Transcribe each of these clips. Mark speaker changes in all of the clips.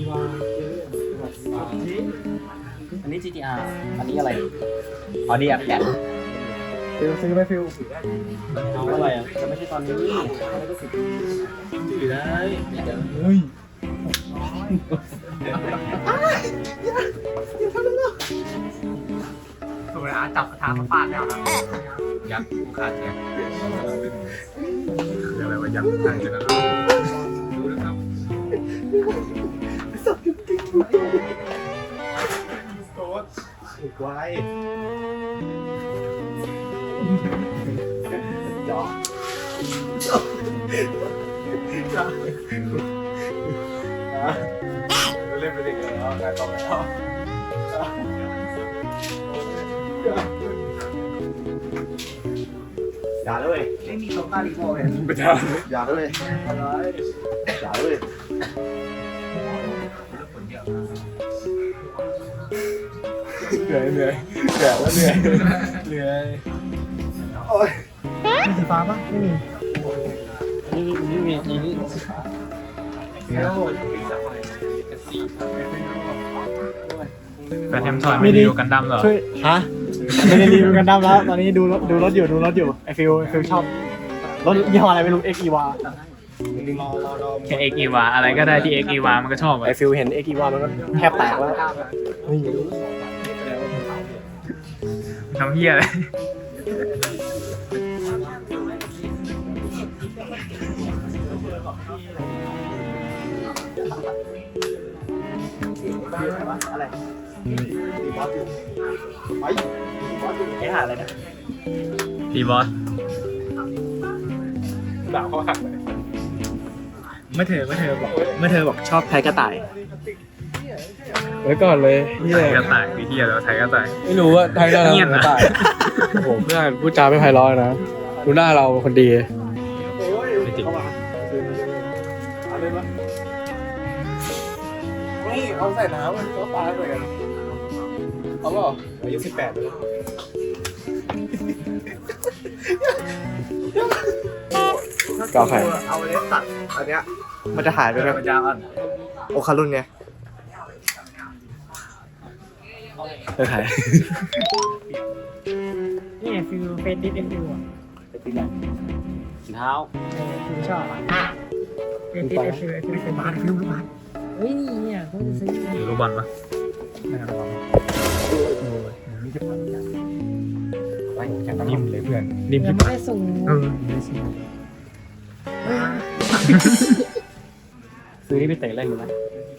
Speaker 1: อันนี้ GTR อันนี้อะไรอ๋อดีแปด
Speaker 2: ฟิวซื้อไหมฟิว
Speaker 1: เอาอะไรอ่ะจะไม่ใช่ตอนนี้ถือได้
Speaker 2: เฮ้ย
Speaker 3: ถูกแล้วจับกระทะมาฟาดแล้วครับ
Speaker 4: ยักษ์ผู้ฆ่าแกคืออะไรวะยักษ์ผู้ฆ่าแกนะดูนะครับโต๊ดถูกไว้จอเล่นไปเด็กเลยแล้วการต่อไปต่ออย่าเลย
Speaker 3: ไม่มีโซฟารีโมทเลย
Speaker 4: ไม่ได้อย่าเลยอย่าเลยเหนื่อยเหนื่อยเหนื่อยแล้วเหนื่อยเหนื่อยโอ้ย
Speaker 2: มีสีฟ้าปะไม่มี
Speaker 1: นี่มีนี่
Speaker 4: แฟนเทมทอยไม่รีวิวกันดั้มเหรอ
Speaker 2: ช่วยฮะไม่ได้รีวิวกันดั้มแล้ว ตอนนี้ดูรถอยู่ไอฟิวชอบรถยี่ห้ออะไรไม่รู้ XEVA
Speaker 4: แค่เอ็กอีวาอะไรก็ได้ที่เอ็กอีวามันก็ชอบ
Speaker 2: ไอฟิวเห็น XEVA มันก็แทบแตกแล้วนี่
Speaker 4: ทำเฮียอะไร
Speaker 2: อะไร
Speaker 1: ไอ้หาอะไรนะ
Speaker 4: พีบอส
Speaker 1: ด่าเขาหักเลย
Speaker 2: เมื่อเธอบอกชอบไทยกระต่าย
Speaker 5: ไว้ก่อนเลยเฮีย
Speaker 4: ไทยกระต่ายคือเฮียแล้วไทยกระต่าย
Speaker 5: ไม่รู้ว่าไทยได้แล้ว
Speaker 4: เงียบนะ
Speaker 5: ตายโอ้โหเพื่อนพูดจาไม่ไพเราะนะดูหน้าเราเป็นคนดี
Speaker 4: ไม่จริง
Speaker 5: นี่เอาใส่น้ำมันก็ตายเลยกันเอาเปล่าอายุ18เลย
Speaker 2: กาแฟ
Speaker 3: เอาเลสตัดอันเนี้ย
Speaker 2: มันจะหายไปไหม
Speaker 3: มันจะอ่อน
Speaker 2: โอคารุนไงหาย
Speaker 6: นี่ฟิวเฟซดิสเอ็มฟิวอ่ะ
Speaker 1: ไปตีไหนสีเท้า
Speaker 6: ฟิวชอบเฟซดิสเอ็มฟิวฟิวเป็นบ้านฟิวบ้านเฮ้ยนี่เนี่ยเขาจะซื้อ
Speaker 4: หรือลูกบอลปะ
Speaker 5: นิ่มเลยเพื่อนนิ่ม
Speaker 6: ยัง
Speaker 5: ที่
Speaker 6: ไม่ได้ส่ง
Speaker 1: ซื้อที่ไปเตะเล่นอยู่นะ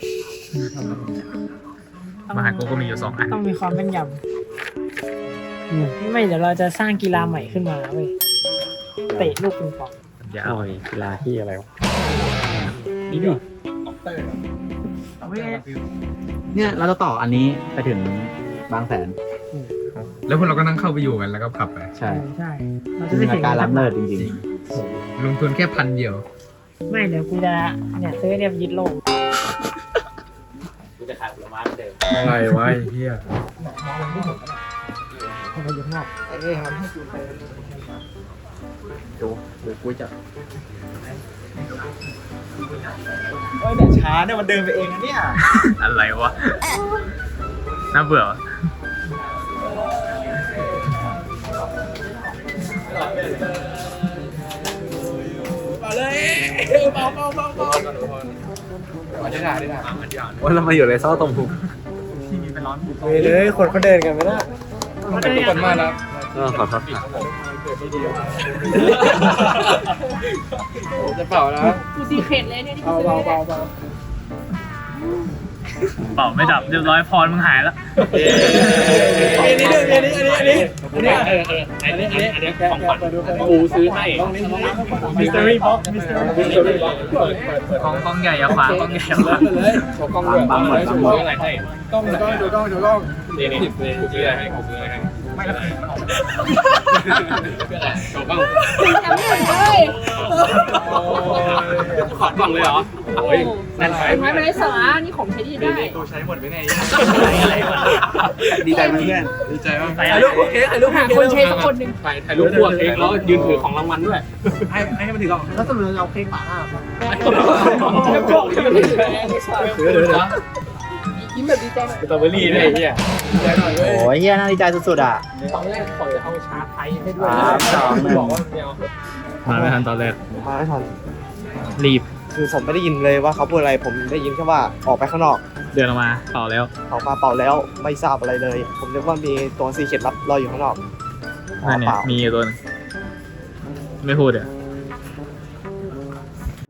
Speaker 4: มหาโกก็มีอยู่2 อัน
Speaker 6: ต้องมีความแม่นยำไม่เดี๋ยวเราจะสร้างกีฬาใหม่ขึ้นมาเว้ยเตะลูกปิงปอง
Speaker 4: ยาว
Speaker 1: โอ้ยกีฬาที่อะไรวะ
Speaker 4: นี่ดิ
Speaker 6: เอาไว้
Speaker 1: เนี่ยเราจะต่ออันนี้ไปถึงบางแสน
Speaker 4: แล้วพวกเราก็นั่งเข้าไปอยู่กันแล้วก็ขับไป
Speaker 1: ใช่
Speaker 6: ใช่เราจะ
Speaker 1: จิน
Speaker 6: ไม่
Speaker 1: ตนา
Speaker 6: ถึง
Speaker 1: การล้ำเลิศจริง
Speaker 4: ลงทุนแค่1,000เดียว
Speaker 6: ไม่เดี๋ยวกูจะเนี่ยซื้อเนี่ยไปยึดโลก
Speaker 1: ๆกูจะขายผลไม้เหมือนเดิม
Speaker 5: อะไรวะไอ้เฮีย
Speaker 6: เอาไปยึดนอก
Speaker 1: ดูกูจะ
Speaker 2: เฮ้ยเนี่ยช้าเนี่ยมันเดินไปเองนะเนี่ย
Speaker 4: อะไรวะน่าเบื่อวะ
Speaker 1: ว่าเรามาอยู่ในซอกตรงพุง
Speaker 2: เฮ้ยเลยคนเขาเดินกันไม่ได้
Speaker 6: เขาจะอยาก
Speaker 5: คนมากนะ
Speaker 1: ขอโทษ
Speaker 5: จะเป่าแล้ว
Speaker 6: กูซีเครตเลยเนี่ยที่กู
Speaker 2: เบา
Speaker 6: ซื้อ
Speaker 2: เบา
Speaker 6: เนี่ย
Speaker 2: เบา
Speaker 4: เป่าไม่ดับเรียบร้อยพรมึงหายแล้ว
Speaker 2: อันนี้ของขวัญกูซื้อให้
Speaker 6: มิสเตอรี่บ็อกมิสเตอรี่
Speaker 4: กล้องใหญ่อะขวางกล้องใหญ่อะขวาง
Speaker 5: เลยโชว์กล้องด้วย
Speaker 1: บางหมด
Speaker 5: โชว์อะไรให้กล้องดูกล้อง
Speaker 4: นี่กูซื้ออะไรให้กูซื้ออะไรให้
Speaker 6: ไม่ละ
Speaker 1: จบบ้าง
Speaker 6: แชมป์เลยเลย
Speaker 1: ขอดบ้างเลยเหรอโอ้ยนั่นไป
Speaker 6: ไม่เป็นไรสาระนี่ของใช้ดีได้
Speaker 3: กูใช้หมดไปไหน
Speaker 1: ดีใจไหมเพื่อน
Speaker 5: ดีใจมาก
Speaker 3: ถ่ายรูปโอเคถ่ายรูป
Speaker 6: หาคนใช้สักคนหนึ่ง
Speaker 1: ถ่ายรูปพวกเองแล้วยืนถือของรางวัลด้วย
Speaker 3: ให้มันถือก่อนแล้วสรุปเราเค้กป่าหน้า
Speaker 6: ยิ้มแบบดีใจหน่อย
Speaker 1: สตรอเบอรี่ด้วยไอ้เหี้ย
Speaker 2: โอ้ยเฮียน่าดีใจสุดๆอ่ะ
Speaker 6: ตอนแรกขอจะเอาชาไทยให้ด้วย
Speaker 2: บอกว่า
Speaker 1: มาไม่ทันตอนแรก
Speaker 2: มาไม่ทัน
Speaker 1: รีบ
Speaker 2: คือผมไม่ได้ยินเลยว่าเขาพูดอะไรผมได้ยินแค่ว่าออกไปข้างนอก
Speaker 1: เดินออกมาเป่าแล้ว
Speaker 2: ออกมาเป่าแล้วไม่ทราบอะไรเลย ผมนึกว่ามีตัวซีเข็ดลับรออยู่ข้างนอก
Speaker 1: นั่นเนี่ยมีอยู่ตัวนึงไม่พูดอ่ะ